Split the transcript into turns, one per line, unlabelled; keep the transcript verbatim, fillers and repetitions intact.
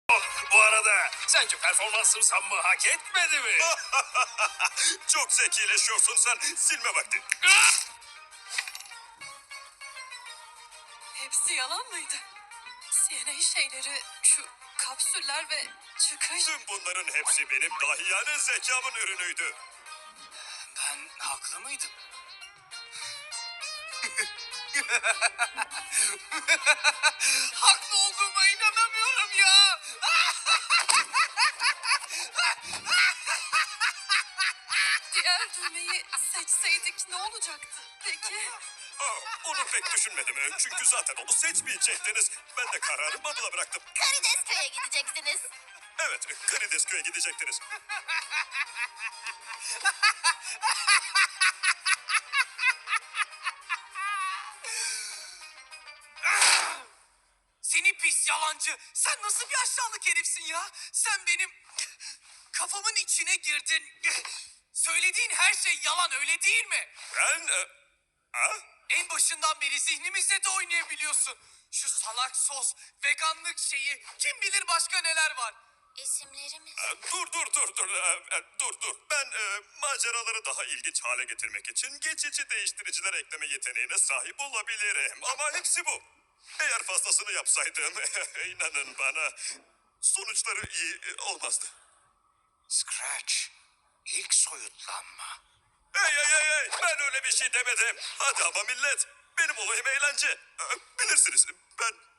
Bu arada sence performansım sanmı hak etmedi mi?
Çok zekileşiyorsun sen. Silme vakti.
Hepsi yalan mıydı? C N A şeyleri, şu kapsüller ve çıkış...
Tüm bunların hepsi benim dahiyane zekamın ürünüydü.
Ben haklı mıydım? Haklı olduğuma inanamıyorum ya.
Diğer düğmeyi seçseydik ne olacaktı peki?
Aa, onu pek düşünmedim. Çünkü zaten onu seçmeyecektiniz. Ben de kararı Bubble'a bıraktım.
Karidesköy'e gideceksiniz.
Evet, Karidesköy'e gidecektiniz.
Seni pis yalancı. Sen nasıl bir aşağılık herifsin ya? Sen benim kafamın içine girdin. Söylediğin her şey yalan, öyle değil mi?
Ben... E, ha?
En başından beri zihnimizde de oynayabiliyorsun. Şu salak sos, veganlık şeyi, kim bilir başka neler var.
İsimlerimiz.
E, Dur dur dur dur E, e, dur dur. Ben e, maceraları daha ilginç hale getirmek için geçici değiştiriciler ekleme yeteneğine sahip olabilirim. Ama hepsi bu. Eğer fazlasını yapsaydım inanın bana sonuçları iyi e, olmazdı.
Scratch, ilk soyutlanma.
Hey hey hey hey ben öyle bir şey demedim. Hadi ama millet benim olayım eğlence. E, Bilirsiniz ben